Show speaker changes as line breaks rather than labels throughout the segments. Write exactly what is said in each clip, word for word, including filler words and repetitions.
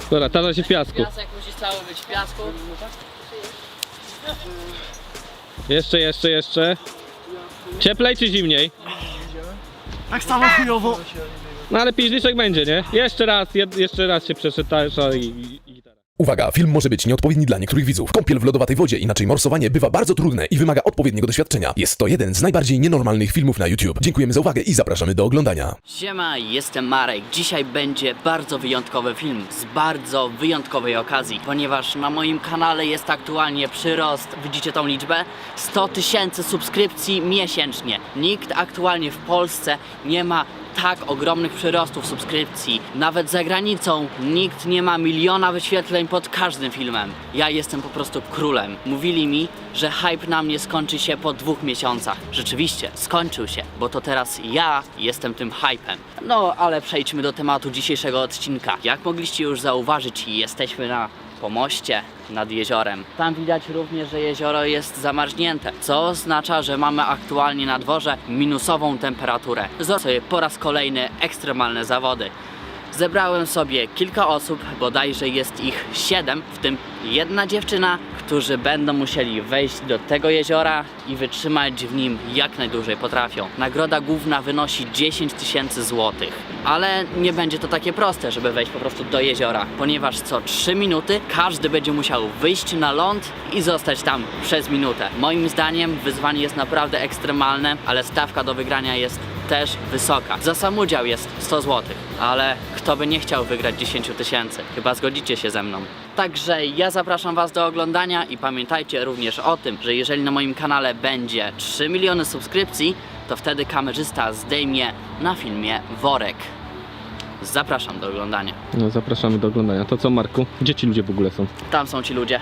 Dobra, tarza się w piasku.
Piasek musi cały być w piasku.
Jeszcze, jeszcze, jeszcze. Cieplej czy zimniej?
Tak samo chujowo.
No ale piździszek będzie, nie? Jeszcze raz, jed, jeszcze raz się przeszedł tarza i, i, i gitara.
Uwaga, film może być nieodpowiedni dla niektórych widzów. Kąpiel w lodowatej wodzie, inaczej morsowanie, bywa bardzo trudne i wymaga odpowiedniego doświadczenia. Jest to jeden z najbardziej nienormalnych filmów na YouTube. Dziękujemy za uwagę i zapraszamy do oglądania.
Siema, jestem Marek. Dzisiaj będzie bardzo wyjątkowy film z bardzo wyjątkowej okazji, ponieważ na moim kanale jest aktualnie przyrost, widzicie tą liczbę? sto tysięcy subskrypcji miesięcznie. Nikt aktualnie w Polsce nie ma tak ogromnych przyrostów subskrypcji. Nawet za granicą nikt nie ma miliona wyświetleń pod każdym filmem. Ja jestem po prostu królem. Mówili mi, że hype na mnie skończy się po dwóch miesiącach. Rzeczywiście, skończył się, bo to teraz ja jestem tym hypem. No, ale przejdźmy do tematu dzisiejszego odcinka. Jak mogliście już zauważyć, jesteśmy na pomoście nad jeziorem. Tam widać również, że jezioro jest zamarznięte, co oznacza, że mamy aktualnie na dworze minusową temperaturę. Zrobię sobie po raz kolejny ekstremalne zawody. Zebrałem sobie kilka osób, bodajże jest ich siedem, w tym jedna dziewczyna, którzy będą musieli wejść do tego jeziora i wytrzymać w nim jak najdłużej potrafią. Nagroda główna wynosi dziesięć tysięcy złotych. Ale nie będzie to takie proste, żeby wejść po prostu do jeziora, ponieważ co trzy minuty każdy będzie musiał wyjść na ląd i zostać tam przez minutę. Moim zdaniem wyzwanie jest naprawdę ekstremalne, ale stawka do wygrania jest też wysoka. Za sam udział jest sto złotych, ale kto by nie chciał wygrać dziesięć tysięcy? Chyba zgodzicie się ze mną. Także ja zapraszam Was do oglądania i pamiętajcie również o tym, że jeżeli na moim kanale będzie trzy miliony subskrypcji, to wtedy kamerzysta zdejmie na filmie worek. Zapraszam do oglądania.
No zapraszamy do oglądania. To co, Marku? Gdzie ci ludzie w ogóle są?
Tam są ci ludzie.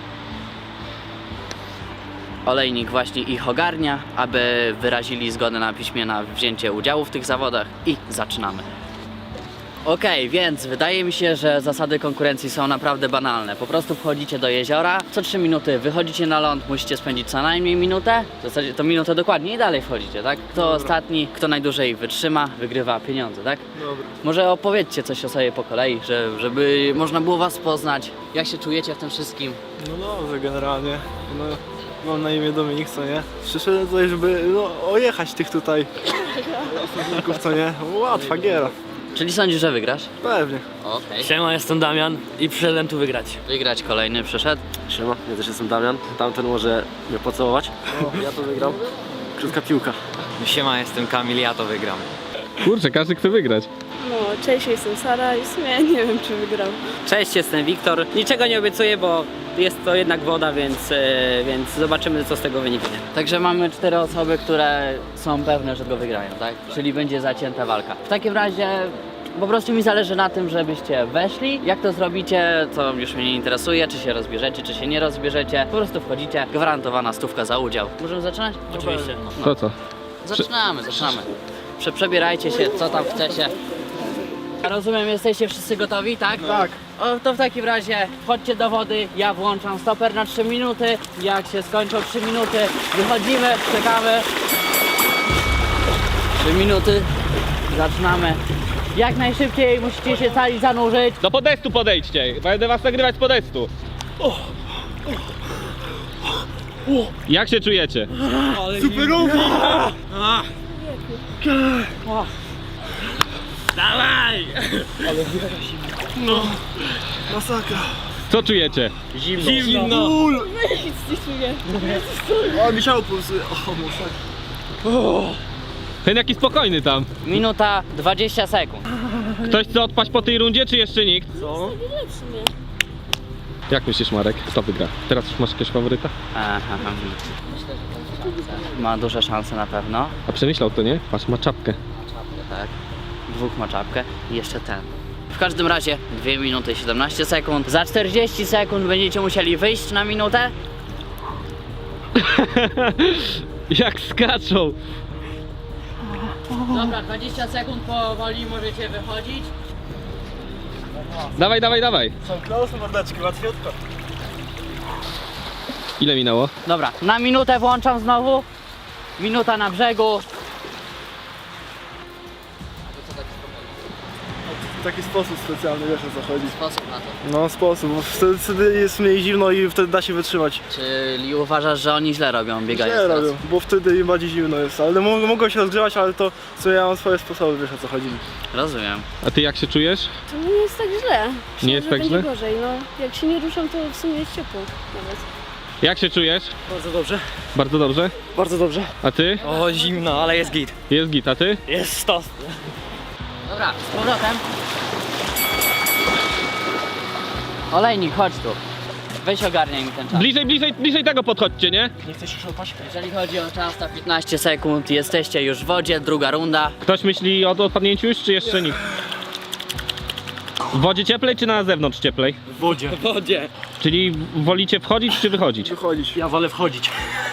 Olejnik właśnie ich ogarnia, aby wyrazili zgodę na piśmie na wzięcie udziału w tych zawodach i zaczynamy. Okej, okay, więc wydaje mi się, że zasady konkurencji są naprawdę banalne. Po prostu wchodzicie do jeziora, co trzy minuty wychodzicie na ląd, musicie spędzić co najmniej minutę. W zasadzie to minutę dokładnie i dalej wchodzicie, tak? Kto Dobra. ostatni, kto najdłużej wytrzyma, wygrywa pieniądze, tak?
Dobra.
Może opowiedzcie coś o sobie po kolei, że, żeby można było Was poznać. Jak się czujecie w tym wszystkim?
No dobrze, generalnie. No, mam na imię Dominik, co nie? Przyszedłem tutaj, żeby no, ojechać tych tutaj osobników, co nie? Łatwa giera.
Czyli sądzisz, że wygrasz?
Pewnie.
Okej. Okay.
Siema, jestem Damian i przyszedłem tu wygrać.
Wygrać kolejny przyszedł.
Siema, ja też jestem Damian. Tamten może mnie pocałować. O, ja to wygram. Krótka piłka.
Siema, jestem Kamil, ja to wygram.
Kurczę, każdy chce wygrać.
No, cześć, jestem Sara i w sumie nie wiem, czy wygram.
Cześć, jestem Wiktor. Niczego nie obiecuję, bo jest to jednak woda, więc, yy, więc zobaczymy, co z tego wyniknie.
Także mamy cztery osoby, które są pewne, że go wygrają, tak? Czyli będzie zacięta walka. W takim razie po prostu mi zależy na tym, żebyście weszli. Jak to zrobicie, to już mnie nie interesuje, czy się rozbierzecie, czy się nie rozbierzecie. Po prostu wchodzicie, gwarantowana stówka za udział. Możemy zaczynać?
Oczywiście.
To co?
Zaczynamy, zaczynamy. Prze przebierajcie się, co tam chcecie. Rozumiem, jesteście wszyscy gotowi, tak?
Tak.
O, to w takim razie wchodźcie do wody, ja włączam stoper na trzy minuty. Jak się skończą trzy minuty, wychodzimy, czekamy. trzy minuty, zaczynamy. Jak najszybciej musicie się cali zanurzyć.
Do podestu podejdźcie, będę was nagrywać z podestu. Jak się czujecie?
Superowo!
Dawaj!
No, masakra.
Co czujecie?
Zimno.
Zimno. Ból.
Nic nie czuję.
O, mi się pulsuje. O, masakra.
Ten jaki spokojny tam.
Minuta dwadzieścia sekund.
Ktoś chce odpaść po tej rundzie, czy jeszcze nikt?
Co?
Lepszy mnie.
Jak myślisz, Marek? Kto wygra? Teraz już masz jakiegoś faworyta?
Aha. Myślę, że to jest szansa. Ma duże szanse na pewno.
A przemyślał to, nie? Patrz, ma czapkę.
Tak. Dwóch ma czapkę i jeszcze ten. W każdym razie dwie minuty i siedemnaście sekund. Za czterdzieści sekund będziecie musieli wyjść na minutę.
Jak skaczą!
Dobra, dwadzieścia sekund powoli możecie wychodzić.
Dawaj, dawaj, dawaj!
Są close mordeczki, łatwiutko.
Ile minęło?
Dobra, na minutę włączam znowu. Minuta na brzegu.
taki sposób specjalny, wiesz o co chodzi.
Sposób na to.
No sposób, bo wtedy, wtedy jest mniej zimno i wtedy da się wytrzymać.
Czyli uważasz, że oni źle robią, biegają
Nie
teraz?
robią, bo wtedy im bardziej zimno jest, ale mogą, mogą się rozgrzewać, ale to co ja mam swoje sposoby, wiesz o co chodzi.
Rozumiem.
A ty jak się czujesz?
To nie jest tak źle. Myślę,
Nie jest
że
tak
będzie
źle?
gorzej, no. Jak się nie ruszam, to w sumie jest ciepło nawet.
Jak się czujesz?
Bardzo dobrze.
Bardzo dobrze.
Bardzo dobrze.
A ty?
O, zimno, ale jest git.
Jest git, a ty?
Jest stos.
Dobra, z powrotem. Olejnik, chodź tu. Weź ogarniaj mi ten czas.
Bliżej, bliżej, bliżej tego podchodźcie, nie?
Nie chcesz już odpaść?
Jeżeli chodzi o czas, to piętnaście sekund, jesteście już w wodzie, druga runda.
Ktoś myśli o odpadnięciu już, czy jeszcze nikt? W wodzie cieplej, czy na zewnątrz cieplej?
W wodzie. W wodzie.
Czyli wolicie wchodzić, czy wychodzić?
Wychodzić.
Ja wolę wchodzić.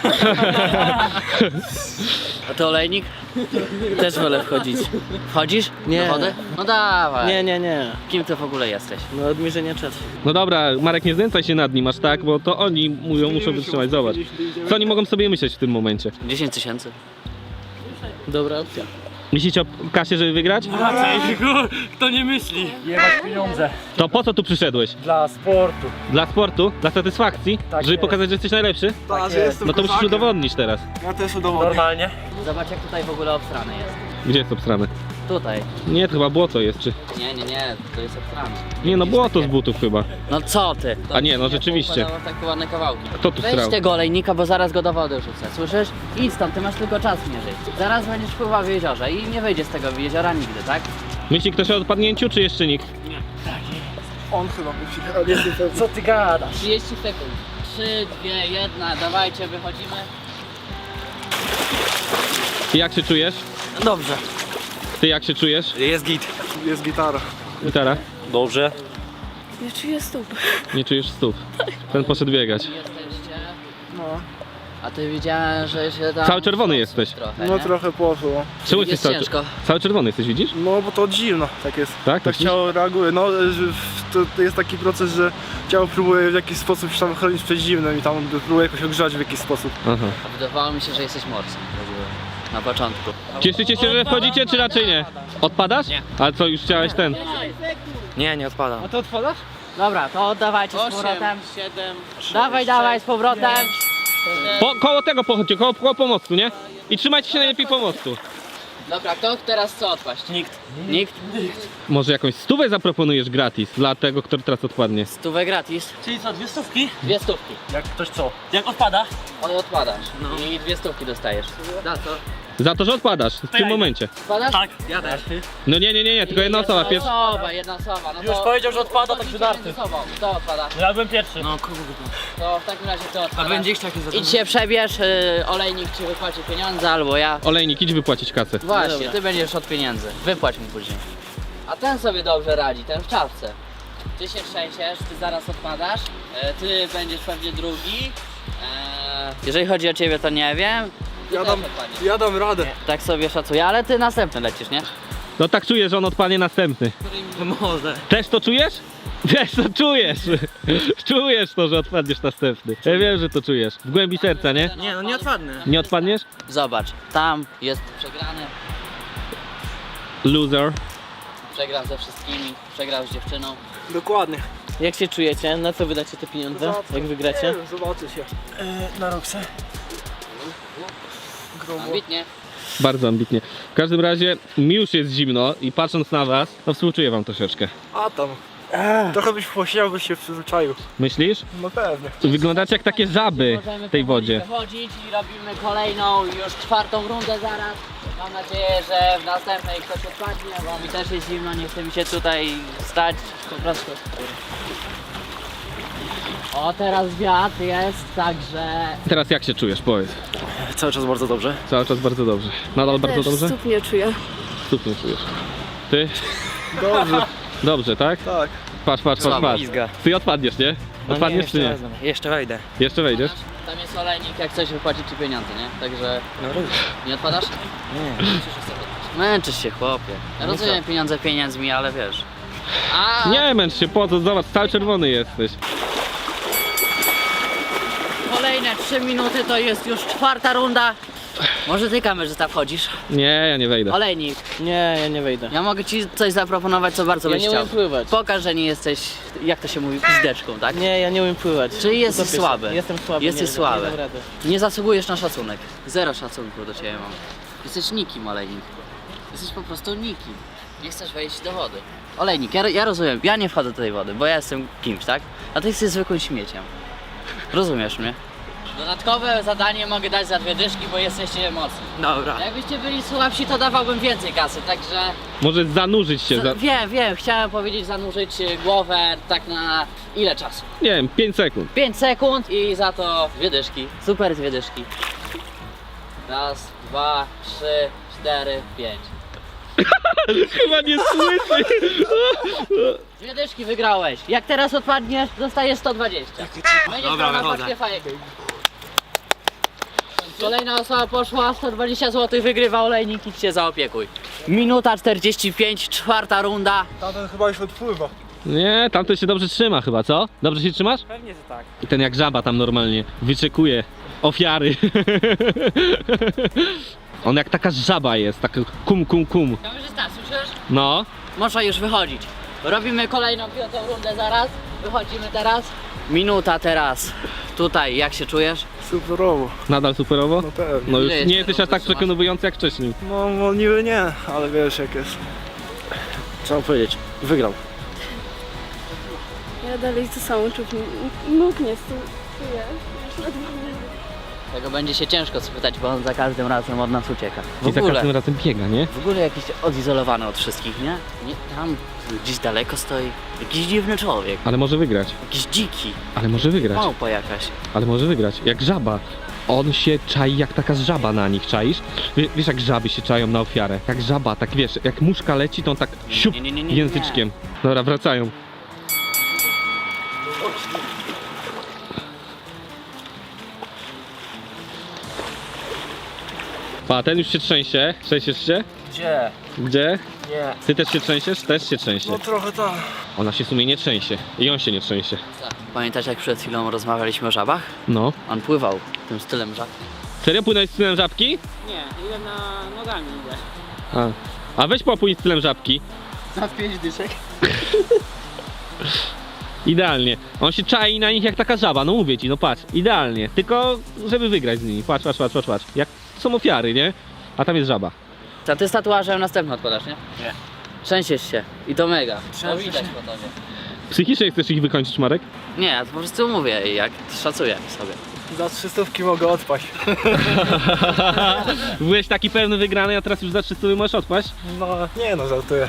A ty olejnik?
Też wolę wchodzić.
Wchodzisz
Nie.
do wody? No dawaj.
Nie, nie, nie.
Kim ty w ogóle jesteś?
No od mierzenia czasu.
No dobra, Marek, nie znęcaj się nad nim aż tak, bo to oni mówią, muszą wytrzymać, zobacz. Co oni mogą sobie myśleć w tym momencie?
dziesięć tysięcy.
Dobra opcja.
Myślicie o kasie, żeby wygrać?
Kto nie myśli? Jebać pieniądze.
To po co tu przyszedłeś?
Dla sportu.
Dla sportu? Dla satysfakcji?
Tak
żeby
jest.
pokazać, że jesteś najlepszy?
Tak, że jestem
No to musisz
kozakiem.
udowodnić teraz.
Ja też udowodnię.
Normalnie.
Zobacz jak tutaj w ogóle obstrane jest.
Gdzie jest obstrane?
Tutaj.
Nie, to chyba błoto jest, czy...
Nie, nie, nie, to jest obstrane.
Nie no,
Widzisz
błoto
takie?
z butów chyba.
No co ty?
A nie, no rzeczywiście.
Poukładało takie ładne kawałki.
Kto tu
Weź
strał?
tego olejnika, bo zaraz go do wody rzucę. Słyszysz? Idź stąd, ty masz tylko czas mierzyć. Zaraz będziesz pływał w jeziorze i nie wyjdzie z tego jeziora nigdy, tak?
Myśli ktoś o odpadnięciu, czy jeszcze nikt?
On chyba musi, ale nie jestem pewny.
Co ty gadasz?
trzydzieści sekund. trzy, dwa, jeden, dawajcie, wychodzimy.
I jak się czujesz?
Dobrze.
Ty jak się czujesz?
Jest git.
Jest gitara.
Gitara?
Dobrze.
Ja czuję stóp.
Nie czujesz stóp. Ten poszedł biegać.
Jesteście.
No,
A ty widziałem, że się tam...
Cały czerwony jesteś.
Trochę,
no
nie?
trochę poszło.
Czemu
Jest
jesteś cały,
ciężko.
cały czerwony jesteś, widzisz?
No bo to od zimno, tak jest.
Tak?
Tak
Myślisz?
ciało reaguje. No że w- to, to jest taki proces, że ciało próbuje w jakiś sposób się tam chronić przed zimnem i tam próbuje jakoś ogrzać w jakiś sposób.
Aha.
Wydawało mi się, że jesteś morsem. Na początku.
Cieszycie się, że wchodzicie, czy raczej nie? Odpadasz? Nie. Ale co, już chciałeś ten?
Nie, nie odpadam.
to odpadasz?
Dobra, to oddawajcie z powrotem.
siedem,
Dawaj, dawaj, z powrotem.
Po, koło tego pochodźcie, koło, koło pomostu, nie? I trzymajcie się najlepiej pomostu.
Dobra, kto teraz co odpaść?
Nikt.
Nikt?
Może jakąś stówę zaproponujesz gratis dla tego, kto teraz odpadnie.
Stówę gratis.
Czyli co, dwie stówki?
Dwie stówki.
Jak ktoś co?
Jak odpada?
On odpadasz. I dwie stówki dostajesz. Za co?
Za to, że odpadasz w tym momencie.
Odpadasz?
Tak. Ja też.
No nie, nie, nie, nie, tylko jedna osoba pierwsza.
Jedna osoba, jedna osoba. No
Już
to
powiedział, że odpada,
podchodzicie
także darty.
między sobą. Kto odpada?
Ja byłem pierwszy.
No kogo
To w takim razie kto odpada?
A będzie chciał jakieś
Idź się przebierz, y, olejnik ci wypłaci pieniądze albo ja.
Olejnik, idź wypłacić kasę.
Właśnie, ty będziesz od pieniędzy. Wypłać mu później. A ten sobie dobrze radzi, ten w czapce. Ty się trzęsiesz, ty zaraz odpadasz, e, ty będziesz pewnie drugi. E, jeżeli chodzi o ciebie, to nie wiem. Ty
Ja
też
dam,
odpadniesz.
ja dam radę.
Tak sobie szacuję, ale ty następny lecisz, nie?
No tak czuję, że on odpadnie następny.
Może.
Też to czujesz? Też to czujesz! Czujesz to, że odpadniesz następny. Ja wiem, że to czujesz. W głębi serca, nie?
Nie, no nie odpadnę.
Nie odpadniesz?
Zobacz, tam jest przegrany,
Loser.
przegrał ze wszystkimi, przegrał z dziewczyną.
Dokładnie.
Jak się czujecie? Na co wydacie te pieniądze? Jak wygracie?
Nie wiem, zobaczy się.
Na Roxę.
Ambitnie.
Bardzo ambitnie. W każdym razie mi już jest zimno i patrząc na was, to współczuję wam troszeczkę.
A tam. Trochę byś posiedział, byś się przyzwyczaił.
Myślisz?
No pewnie.
Wyglądacie jak takie żaby
Możemy
w tej
powoli
wodzie.
wychodzić i robimy kolejną, już czwartą rundę zaraz. Mam nadzieję, że w następnej ktoś odpadnie, bo mi też jest zimno, nie chce mi się tutaj stać. Po prostu. O, teraz wiatr jest, także...
Teraz jak się czujesz? Powiedz.
Cały czas bardzo dobrze.
Cały czas bardzo dobrze. Nadal bardzo
Też
dobrze?
stóp nie czuję.
Stóp nie czujesz. Ty?
Dobrze.
Dobrze, tak?
Tak.
Patrz, patrz, patrz,
Słabo
patrz.
pizga.
Ty odpadniesz, nie? Odpadniesz czy nie?
Jeszcze wejdę.
Jeszcze wejdziesz?
Tam jest olejnik, jak coś wypłaci ci pieniądze, nie? Także
No
nie odpadasz?
nie.
Męczysz się, chłopie. Ja rozumiem pieniądze pieniędzmi, ale wiesz. A
Nie męcz się, po co? Zobacz, cały czerwony jesteś.
kolejne trzy minuty to jest już czwarta runda. Może ty, kamerzysta, wchodzisz?
Nie, ja nie wejdę.
Olejnik,
Nie, ja nie wejdę.
ja mogę ci coś zaproponować, co bardzo
Ja
byś
nie
chciał.
umiem pływać.
Pokaż, że nie jesteś, jak to się mówi, pizdeczką, tak?
Nie, ja nie umiem pływać.
Czyli jesteś
Utopię się.
słaby.
Jestem słaby.
Jesteś
nie,
słaby.
Nie dam rady.
Nie zasługujesz na szacunek. Zero szacunku do ciebie mam. Jesteś nikim, Olejnik. Jesteś po prostu nikim. Nie chcesz wejść do wody. Olejnik, ja, ja rozumiem, ja nie wchodzę do tej wody, bo ja jestem kimś, tak? A ty jesteś zwykłym śmieciem. Rozumiesz mnie? Dodatkowe zadanie mogę dać za dwie dyszki, bo jesteście mocni.
Dobra.
Jakbyście byli słabsi, to dawałbym więcej kasy, także...
Może zanurzyć się. Za...
Za, wiem, wiem, chciałem powiedzieć zanurzyć y, głowę tak na ile czasu?
Nie wiem, pięć sekund.
pięć sekund i za to dwie dyszki. Super dwie dyszki. Raz, dwa, trzy, cztery, pięć.
Chyba nie słyszy.
Dwie dyszki wygrałeś. Jak teraz odpadniesz, dostajesz sto dwadzieścia. Będziesz miał na paczkę fajek. Kolejna osoba poszła, sto dwadzieścia złotych wygrywa Olejnik, idź się zaopiekuj. Minuta czterdzieści pięć, czwarta runda.
Tamten chyba już odpływa.
Nie, tamten się dobrze trzyma chyba, co? Dobrze się trzymasz?
Pewnie, że tak.
I ten jak żaba tam normalnie wyczekuje ofiary. On jak taka żaba jest, tak kum kum kum.
Kamerzysta, słyszysz?
No.
Można już wychodzić. Robimy kolejną piątą rundę zaraz. Wychodzimy teraz. Minuta teraz. Tutaj, jak się czujesz?
Superowo.
Nadal superowo?
No pewnie.
No już
Ile jeszcze
nie jesteś aż tak
wytrzymasz?
przekonujący jak wcześniej.
No, no niby nie, ale wiesz jak jest.
Trzeba powiedzieć, wygrał.
Ja dalej to samo czuć. Nóg nie czuję. Już ledwo nie.
Tego będzie się ciężko spytać, bo on za każdym razem od nas ucieka. W
I za
ogóle,
każdym razem biega, nie?
w ogóle jakiś odizolowany od wszystkich, nie? nie? Tam gdzieś daleko stoi jakiś dziwny człowiek.
Ale może wygrać.
Jakiś dziki.
Ale może wygrać.
Małpa jakaś.
Ale może wygrać. Jak żaba. On się czai jak taka żaba na nich, czaisz? Wie- Wiesz jak żaby się czają na ofiarę? Jak żaba, tak wiesz, jak muszka leci, to on tak siup
Nie, nie, nie, nie, nie.
języczkiem. Dobra, wracają. Pa, ten już się trzęsie. Trzęsiesz się?
Gdzie?
Gdzie?
Nie.
Ty też się trzęsiesz? Też się trzęsie.
No trochę tak.
Ona się w sumie nie trzęsie. I on się nie trzęsie.
Pamiętasz, jak przed chwilą rozmawialiśmy o żabach?
No.
On pływał tym stylem żab.
Serio płynąłeś stylem żabki?
Nie, idę na nogami idę.
A. A weź popłyń stylem żabki.
Za pięć dyszek.
Idealnie. On się czai na nich jak taka żaba, no mówię ci, no patrz, idealnie. Tylko żeby wygrać z nimi. Patrz, patrz, patrz, patrz, patrz. Jak są ofiary, nie? A tam jest żaba.
To ty z tatuażem następny odpadasz, nie?
Nie.
Trzęsiesz się. I to mega. To widać po tobie.
Psychicznie chcesz ich wykończyć, Marek?
Nie, ja po prostu mówię, jak szacuję sobie.
Za trzystówki mogę odpaść.
Byłeś taki pewny wygrany, a teraz już za trzysta możesz odpaść?
No nie no, żartuję.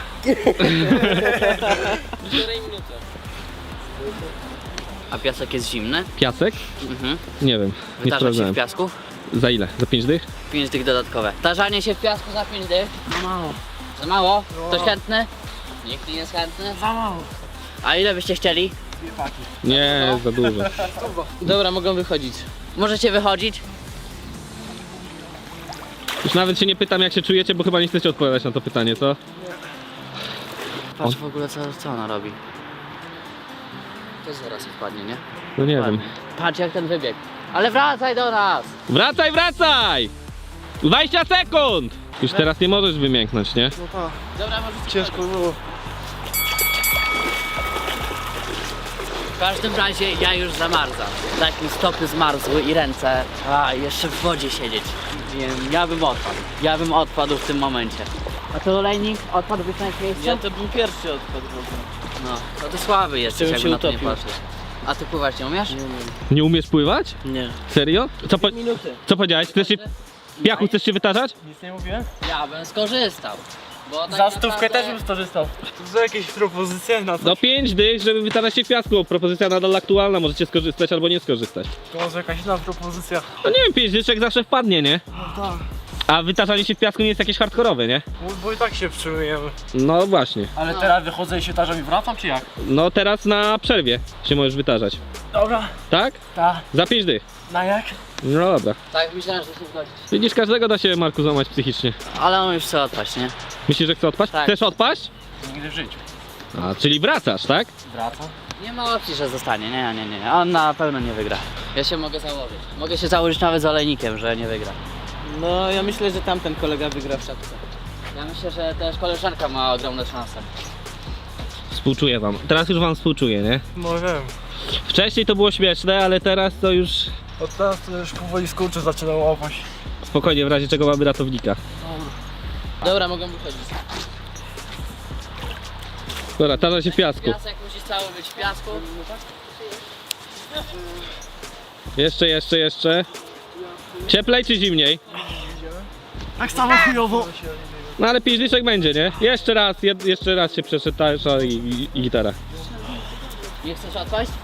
A piasek jest zimny?
Piasek?
Mhm.
Nie wiem, nie
Wytarza się
sprawdzałem.
w piasku?
Za ile? Za pięć dych?
pięć dych dodatkowe. Tarzanie się w piasku za pięć dych? Za mało. Za mało? Ktoś chętny? Nikt nie jest chętny? Za mało. A ile byście chcieli?
Nie, za dużo.
Dobra, mogą wychodzić. Możecie wychodzić?
Już nawet się nie pytam jak się czujecie, bo chyba nie chcecie odpowiadać na to pytanie, co?
Patrz w ogóle co, co ona robi. To zaraz odpadnie, nie?
No nie wiem.
Ładnie. Patrz jak ten wybieg. Ale wracaj do nas!
Wracaj, wracaj! dwadzieścia sekund! Już teraz nie możesz wymięknąć, nie?
No tak,
Dobra, możecie
ciężko było.
W każdym razie ja już zamarzam. Tak mi stopy zmarzły i ręce. A, jeszcze w wodzie siedzieć. Nie wiem, ja bym odpadł. Ja bym odpadł w tym momencie. A ty olejnik, odpadłbyś na jakieś miejsce?
Ja to bym pierwszy odpadł w ogóle.
No, to ty słaby jesteś,
Żebym
jakby
się
na to nie
utopił.
patrzeć. A ty pływać nie umiesz?
Nie umiesz pływać?
Nie.
Serio? Co, po...
Minuty.
Co powiedziałeś? Chcesz się... Piachu, chcesz się wytarzać?
Nic nie mówiłem?
Ja bym skorzystał. Bo tak
Za stówkę
naprawdę-
też bym skorzystał.
To są jakieś propozycje na to?
Do pięć dych, żeby wytarzać się w piasku. Propozycja nadal aktualna, możecie skorzystać albo nie skorzystać.
To może jakaś inna propozycja?
No nie wiem, pięć dyczek zawsze wpadnie, nie?
No tak.
A wytarzanie się w piasku nie jest jakieś hardkorowe, nie?
Bo, bo i tak się przymujemy.
No właśnie.
Ale teraz wychodzę i się tarzam i wracam, czy jak?
No teraz na przerwie się możesz wytarzać.
Dobra.
Tak?
Ta.
Za pięć dych.
Na jak?
No dobra.
Tak, myślałem, że się zgodzić.
Widzisz, każdego da się, Marku, złamać psychicznie.
Ale on już chce odpaść, nie?
Myślisz, że chce odpaść?
Tak.
Chcesz odpaść?
Nigdy w życiu.
A, czyli wracasz, tak?
Wracam.
Nie ma opcji, że zostanie. Nie, nie, nie. On na pewno nie wygra. Ja się mogę założyć. Mogę się założyć nawet z olejnikiem, że nie wygra.
No ja myślę, że tamten kolega wygra w szatce.
Ja myślę, że też koleżanka ma ogromne szanse.
Współczuję wam. Teraz już wam współczuję, nie?
No wiem.
Wcześniej to było śmieszne, ale teraz to już
Od teraz to już powoli skurczy zaczynam łapać.
spokojnie, w razie czego mamy ratownika.
Dobra, mogę wychodzić.
Dobra, tarza się w piasku.
Piasek musi cały być w piasku.
Jeszcze, jeszcze, jeszcze. Cieplej czy zimniej?
Tak samo chujowo.
No ale piździszek będzie, nie? Jeszcze raz, jed, jeszcze raz się przeszedł tarza i, i, i gitara.
Nie chcesz odpaść?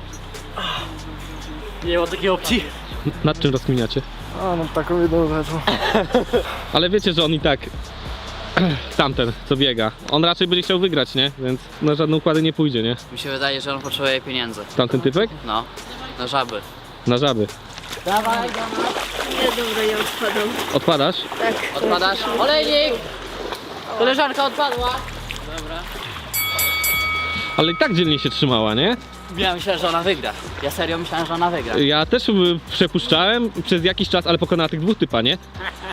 Nie ma takiej opcji.
Nad czym rozkminiacie?
A no taką jedną rzeczą.
Ale wiecie, że on i tak... Tamten, co biega. On raczej będzie chciał wygrać, nie? Więc na żadne układy nie pójdzie, nie?
Mi się wydaje, że on potrzebuje pieniędzy.
Tamten typek?
No, na żaby.
Na żaby.
Dawaj,
Nie, dobra, ja odpadam.
Odpadasz?
odpadasz. Olejnik! Koleżanka odpadła. Dobra.
Ale i tak dzielnie się trzymała, nie?
Ja myślałem, że ona wygra. Ja serio myślałem, że ona wygra.
Ja też y, przepuszczałem przez jakiś czas, ale pokonała tych dwóch typa, nie?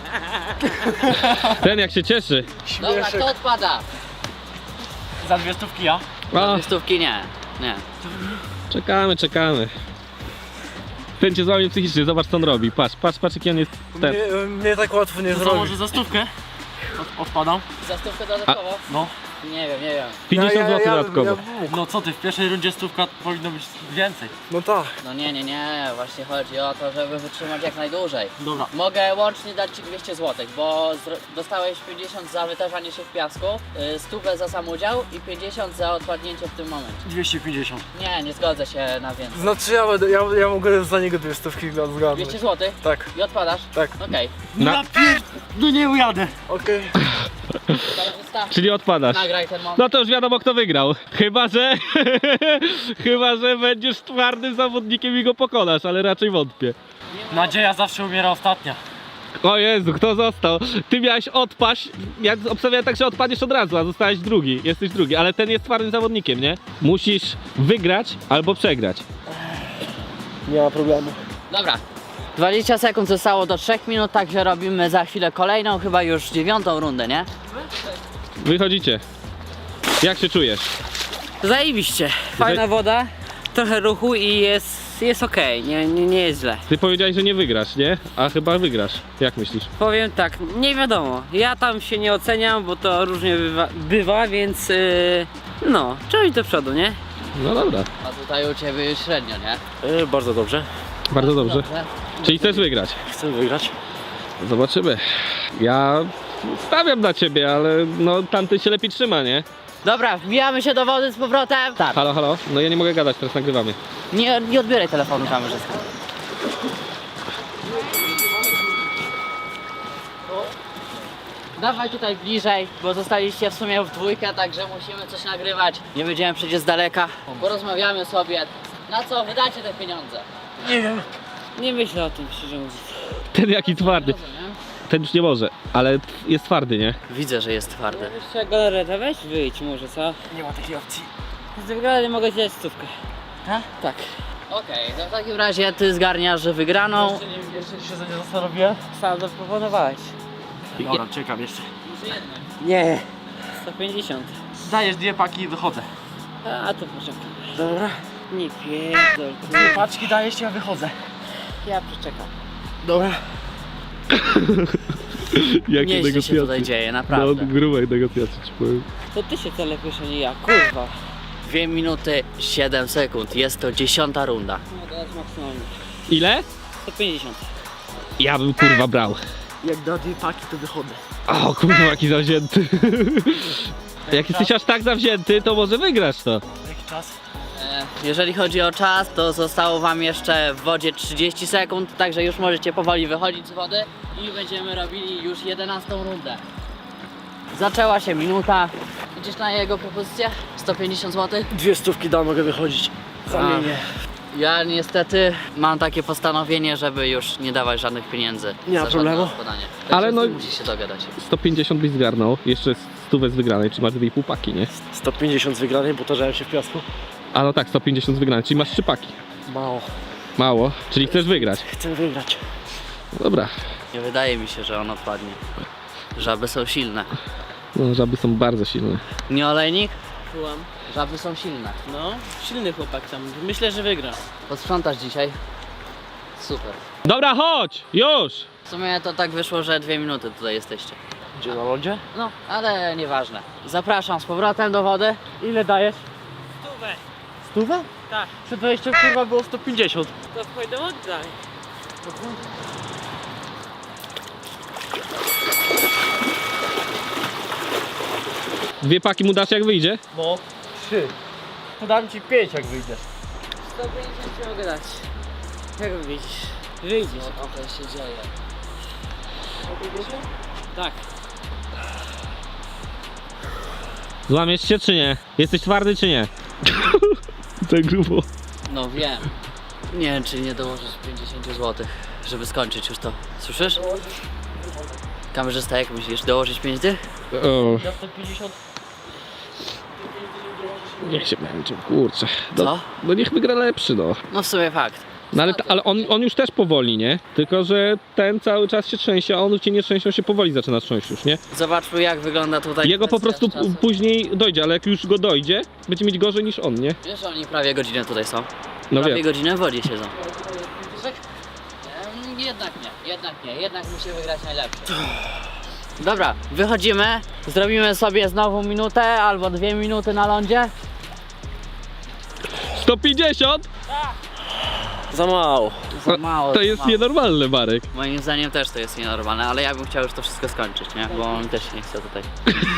Ten jak się cieszy.
Dobra, kto odpada?
Za dwie stówki ja.
A,
Dwie stówki nie. Nie.
czekamy, czekamy. Ten cię złamie psychicznie, zobacz co on robi. Patrz, patrz, patrz jaki on jest ten.
Mnie, mnie tak łatwo nie
To co,
zrobi.
może za stówkę? Od, odpadam.
Za stówkę dodatkowo?
No.
Nie wiem, nie wiem.
pięćdziesiąt złotych dodatkowo.
Ja, ja,
No co ty, w pierwszej rundzie stówka powinno być więcej.
no tak.
No nie, nie, nie. Właśnie chodzi o to, żeby wytrzymać jak najdłużej.
Dobra.
Mogę łącznie dać ci dwieście złotych, bo zro- dostałeś pięćdziesiąt za wytarzanie się w piasku, yy, stówę za sam udział i pięćdziesiąt za odpadnięcie w tym momencie.
dwieście pięćdziesiąt.
Nie, nie zgodzę się na więcej.
Znaczy ja, będę, ja, ja mogę za niego dwie stówki zgadnąć.
dwieście złotych
Tak,
i odpadasz?
tak.
Okej.
Na,
Ja pier... No nie ujadę.
Okej.
Kamerzysta,
czyli odpadasz.
nagraj ten moment.
No to już wiadomo kto wygrał. Chyba, że... Chyba, że będziesz twardym zawodnikiem i go pokonasz, ale raczej wątpię.
Nadzieja zawsze umiera ostatnia.
O Jezu, kto został? Ty miałeś odpaść, ja obstawiałem tak, że odpadniesz od razu, a zostałeś drugi, jesteś drugi, ale ten jest twardym zawodnikiem, nie? Musisz wygrać albo przegrać.
Nie ma problemu.
Dobra. dwadzieścia sekund zostało do trzech minut, także robimy za chwilę kolejną, chyba już dziewiątą rundę, nie?
Wychodzicie. Jak się czujesz?
Zajebiście. Fajna woda, trochę ruchu i jest, jest okej, nie, nie, nie jest źle.
Ty powiedziałeś, że nie wygrasz, nie? A chyba wygrasz. Jak myślisz?
Powiem tak, nie wiadomo. Ja tam się nie oceniam, bo to różnie bywa, bywa więc yy, no, trzeba iść do przodu, nie?
No dobra,
A tutaj u ciebie już średnio, nie?
Yy, bardzo dobrze.
bardzo dobrze.
Dobrze.
Czyli chcesz wygrać?
Chcę wygrać.
Zobaczymy. Ja stawiam na ciebie, ale no tamten się lepiej trzyma, nie?
Dobra, wbijamy się do wody z powrotem. Tak.
Halo, halo? No ja nie mogę gadać, teraz nagrywamy.
Nie, nie odbieraj telefonu kamerzysta. Dawaj tutaj bliżej, bo zostaliście w sumie w dwójkę, także musimy coś nagrywać. Nie będziemy przecież z daleka. Porozmawiamy sobie. Na co wydacie te pieniądze?
Nie myślę o tym, szczerze mówiąc.
Ten jaki twardy.
Rozumiem.
Ten już nie może, ale jest twardy, nie?
Widzę, że jest twardy.
Jeszcze galareta, weź wyjdź może, co?
Nie ma takiej opcji.
Z wygrania mogę ci dać stówkę.
Tak?
Tak.
Okej, to w takim razie ty zgarniasz wygraną.
Jeszcze, nie, jeszcze się za nie zastanowię.
Sam zaproponowałeś.
Dobra, czekam jeszcze.
Nie. sto pięćdziesiąt.
Dajesz dwie paki i wychodzę.
A to poczekam. Dobra. Nie pierdol.
Dwie paczki dajesz, ja wychodzę.
Ja przeczekam.
Dobra.
Jakie
Nieźle się tutaj dzieje,
No,
naprawdę.
grubej negocjacji ci powiem.
To ty się telepiesz, a nie ja, kurwa.
dwie minuty siedem sekund, jest to dziesiąta runda.
No dać maksymalnie.
Ile?
sto pięćdziesiąt.
Ja bym kurwa brał.
Jak da dwie paki, to wychodzę.
O kurwa, jaki zawzięty. Jak jesteś aż tak zawzięty, to może wygrasz to.
Jaki czas?
E, Jeżeli chodzi o czas, to zostało wam jeszcze w wodzie trzydzieści sekund, także już możecie powoli wychodzić z wody i będziemy robili już jedenastą rundę. Zaczęła się minuta. Idziesz na jego propozycję? sto pięćdziesiąt złotych?
Dwie stówki da, mogę wychodzić. Zamienię.
Ja niestety mam takie postanowienie, żeby już nie dawać żadnych pieniędzy.
Nie ma
za żadne
problemu.
odpadanie.
Ale
Ale
no-
no... musisz się dogadać.
sto pięćdziesiąt byś zgarnął, jeszcze stówę z wygranej, czy masz dwie i pół paki, nie?
sto pięćdziesiąt z wygranej, bo tarzałem się w piasku.
A no tak, sto pięćdziesiąt z wygranej, czyli masz trzy paki.
Mało.
Mało, czyli chcesz wygrać.
Chcę wygrać.
Dobra.
Nie wydaje mi się, że on odpadnie. Żaby są silne.
No, żaby są bardzo silne.
Nie olejnik?
Słucham.
Żaby są silne.
No, silny chłopak tam. Myślę, że wygra.
Posprzątasz dzisiaj? Super.
Dobra, chodź! Już!
W sumie to tak wyszło, że dwie minuty tutaj jesteście.
Gdzie, na lądzie?
No, ale nieważne. Zapraszam z powrotem do wody.
Ile dajesz?
Stówę.
Stówę?
Tak.
Przed wejściem kurwa było sto pięćdziesiąt.
To pójdę oddaj.
Dwie paki mu dasz jak wyjdzie?
No, trzy. To dam ci pięć jak wyjdziesz.
sto pięćdziesiąt ci mogę dać. Jak wyjdziesz? Wyjdziesz.
Trochę się dzieje.
Tak.
Złamiesz się czy nie? Jesteś twardy czy nie? Tak grubo.
No wiem. Nie wiem, czy nie dołożysz pięćdziesiąt złotych, żeby skończyć już to. Słyszysz? Kamerzysta, jak myślisz, dołożyć pięć dych?
O,
Ja sto pięćdziesiąt.
niech się męczą, kurczę. No,
Co?
no niech wygra lepszy, no.
No w sumie fakt.
No ale, ale on, on już też powoli, nie? Tylko, że ten cały czas się trzęsie, a on cię nie trzęsie, on się powoli zaczyna trząść już, nie?
Zobaczmy, jak wygląda tutaj.
Jego po
kwestia
prostu
czasu.
później dojdzie, ale jak już go dojdzie, będzie mieć gorzej niż on, nie?
Wiesz, że oni prawie godzinę tutaj są.
No
prawie
wiem.
godzinę w wodzie siedzą. Em, Jednak nie, jednak nie, jednak musi wygrać najlepszy. Dobra, wychodzimy, zrobimy sobie znowu minutę albo dwie minuty na lądzie.
sto pięćdziesiąt?
Za mało.
Za mało,
To
za
jest
mało.
nienormalne, Marek.
Moim zdaniem też to jest nienormalne, ale ja bym chciał już to wszystko skończyć, nie? Bo on też nie chce tutaj.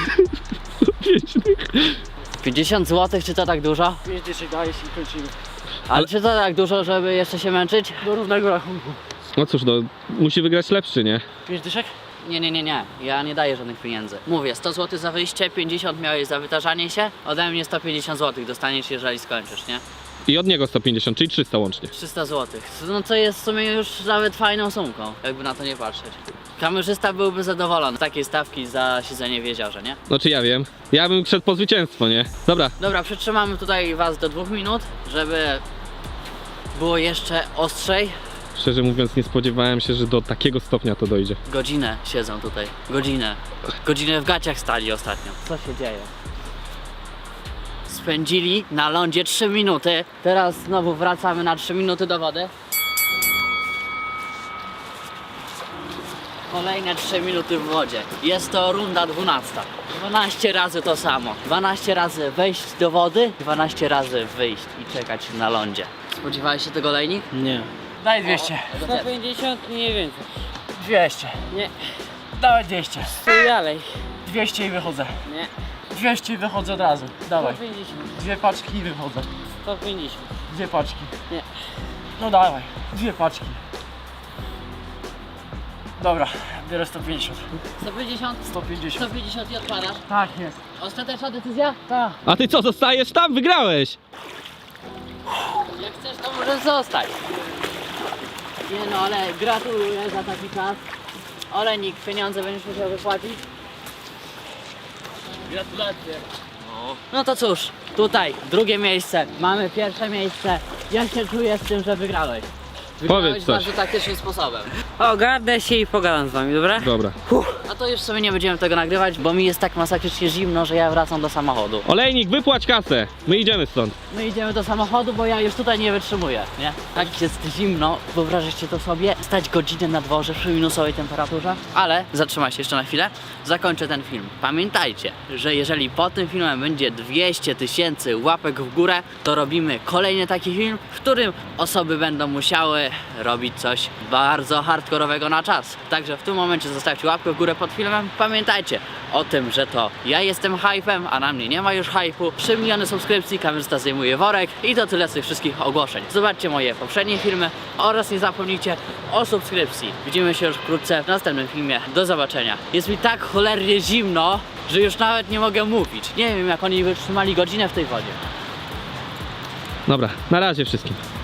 pięćdziesiąt złotych, czy to tak dużo?
pięć dyszek dajesz i kończymy.
Ale czy to tak dużo, żeby jeszcze się męczyć?
Do równego rachunku.
No cóż, no, musi wygrać lepszy, nie?
pięć dyszek?
Nie, nie, nie, nie. Ja nie daję żadnych pieniędzy. Mówię, sto złotych za wyjście, pięćdziesiąt miałeś za wytarzanie się. Ode mnie sto pięćdziesiąt złotych dostaniesz, jeżeli skończysz, nie?
I od niego sto pięćdziesiąt, czyli trzysta łącznie.
trzysta złotych. No co jest w sumie już nawet fajną sumką, jakby na to nie patrzeć. Kamerzysta byłby zadowolony z takiej stawki za siedzenie w jeziorze, nie?
No czy ja wiem. Ja bym szedł po zwycięstwo, nie? Dobra,
Dobra, przytrzymamy tutaj was do dwóch minut, żeby było jeszcze ostrzej.
szczerze mówiąc nie spodziewałem się, że do takiego stopnia to dojdzie.
Godzinę siedzą tutaj. Godzinę. Godzinę w gaciach stali ostatnio. Co się dzieje? Spędzili na lądzie trzy minuty. Teraz znowu wracamy na trzy minuty do wody. Kolejne trzy minuty w wodzie. Jest to runda dwunasta. dwanaście razy to samo. dwanaście razy wejść do wody, dwanaście razy wyjść i czekać na lądzie. Spodziewałeś się tego, Lejnik?
Nie. Daj dwieście.
sto pięćdziesiąt mniej więcej.
dwieście.
Nie.
Dawaj dwieście.
Stój dalej.
dwieście i wychodzę.
Nie.
dwieście i wychodzę od razu. Dawaj.
sto pięćdziesiąt.
Dwie paczki i wychodzę.
sto pięćdziesiąt.
Dwie paczki.
Nie.
No dawaj. Dwie paczki. Dobra, biorę sto pięćdziesiąt.
sto pięćdziesiąt?
sto pięćdziesiąt.
sto pięćdziesiąt i odpadasz?
Tak jest.
Ostateczna decyzja?
Tak.
A ty co, zostajesz tam? Wygrałeś!
Jak chcesz, to możesz zostać. Nie no, ale gratuluję za taki czas. Olejnik, pieniądze będziesz musiał wypłacić.
Gratulacje.
No to cóż, tutaj drugie miejsce, mamy pierwsze miejsce. Jak się czujesz z tym, że wygrałeś? Wygrałeś
Powiedz coś.
bardzo taktycznym sposobem.
Ogarnę się i pogadam z wami, dobra?
Dobra.
A to już sobie nie będziemy tego nagrywać, bo mi jest tak masakrycznie zimno, że ja wracam do samochodu.
Olejnik, wypłać kasę! My idziemy stąd.
My idziemy do samochodu, bo ja już tutaj nie wytrzymuję, nie? Tak jest zimno, wyobrażacie to sobie, stać godzinę na dworze przy minusowej temperaturze. Ale zatrzymaj się jeszcze na chwilę, zakończę ten film. Pamiętajcie, że jeżeli po tym filmem będzie dwieście tysięcy łapek w górę, to robimy kolejny taki film, w którym osoby będą musiały robić coś bardzo hardkorowego na czas. Także w tym momencie zostawcie łapkę w górę pod filmem. Pamiętajcie o tym, że to ja jestem hypem, a na mnie nie ma już hypu. trzy miliony subskrypcji, kamerzysta zdejmuje worek i to tyle z tych wszystkich ogłoszeń. Zobaczcie moje poprzednie filmy oraz nie zapomnijcie o subskrypcji. Widzimy się już wkrótce w następnym filmie. Do zobaczenia. Jest mi tak cholernie zimno, że już nawet nie mogę mówić. Nie wiem, jak oni wytrzymali godzinę w tej wodzie.
Dobra, na razie wszystkim.